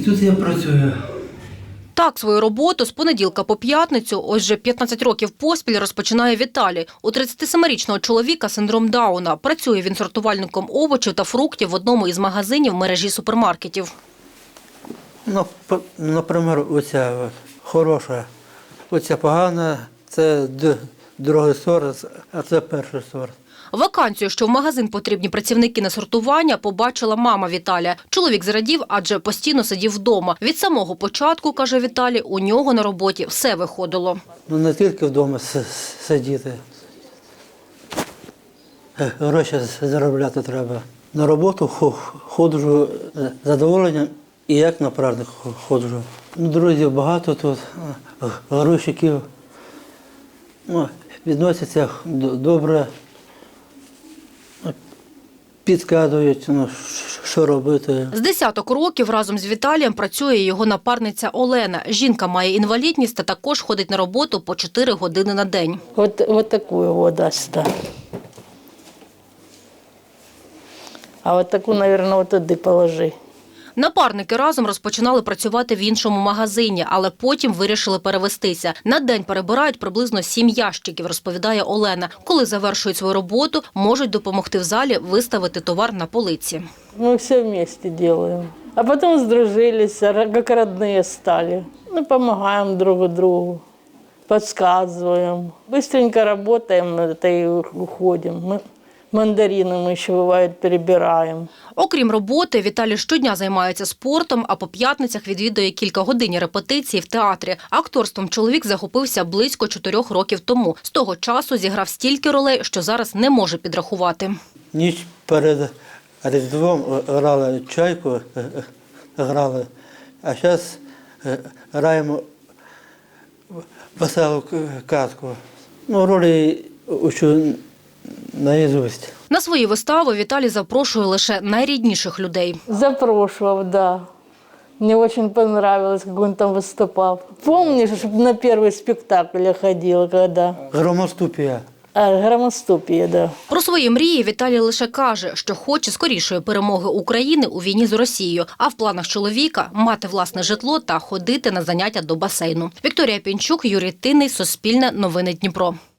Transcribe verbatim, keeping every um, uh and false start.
тут я працюю. Так, свою роботу з понеділка по п'ятницю, ось вже п'ятнадцять років поспіль, розпочинає Віталій. У тридцятисемирічного чоловіка синдром Дауна. Працює він сортувальником овочів та фруктів в одному із магазинів мережі супермаркетів. Ну, наприклад, оця от, хороша, оця погана, це другий сорт, а це перший сорт. Вакансію, що в магазин потрібні працівники на сортування, побачила мама Віталія. Чоловік зрадів, адже постійно сидів вдома. Від самого початку, каже Віталій, у нього на роботі все виходило. Ну, не тільки вдома сидіти. Гроші заробляти треба. На роботу ходжу з задоволенням і як на праздник ходжу. Друзів багато тут, грузчиків. Ну, відносяться добре. Підказують, ну, що робити. З десяток років разом з Віталієм працює його напарниця Олена. Жінка має інвалідність та також ходить на роботу по чотири години на день. От, от таку його дасть. А от таку, мабуть, от туди положи. Напарники разом розпочинали працювати в іншому магазині, але потім вирішили перевестися. На день перебирають приблизно сім ящиків, розповідає Олена. Коли завершують свою роботу, можуть допомогти в залі виставити товар на полиці. Ми все вместе робимо. А потім здружилися, як родні стали. Ми допомагаємо друг другу, підказуємо. Быстренько працюємо та й уходимо. Мандарини ми ще, буває, перебираємо. Окрім роботи, Віталій щодня займається спортом, а по п'ятницях відвідує кілька годин репетиції в театрі. Акторством чоловік захопився близько чотирьох років тому. З того часу зіграв стільки ролей, що зараз не може підрахувати. Ніч перед Різдвом грали «Чайку», грали, а зараз граємо веселу казку. Ну, ролі учу наїзусть. На свої вистави Віталій запрошує лише найрідніших людей. Запрошував, да. Мне очень понравилось, как он там выступал. Помнишь, на первый спектакль я ходила, когда? Громоступія. А, громоступія, да. Про свої мрії Віталій лише каже, що хоче скорішої перемоги України у війні з Росією, а в планах чоловіка – мати власне житло та ходити на заняття до басейну. Вікторія Пінчук, Юрій Тинний, Суспільне, Новини Дніпро.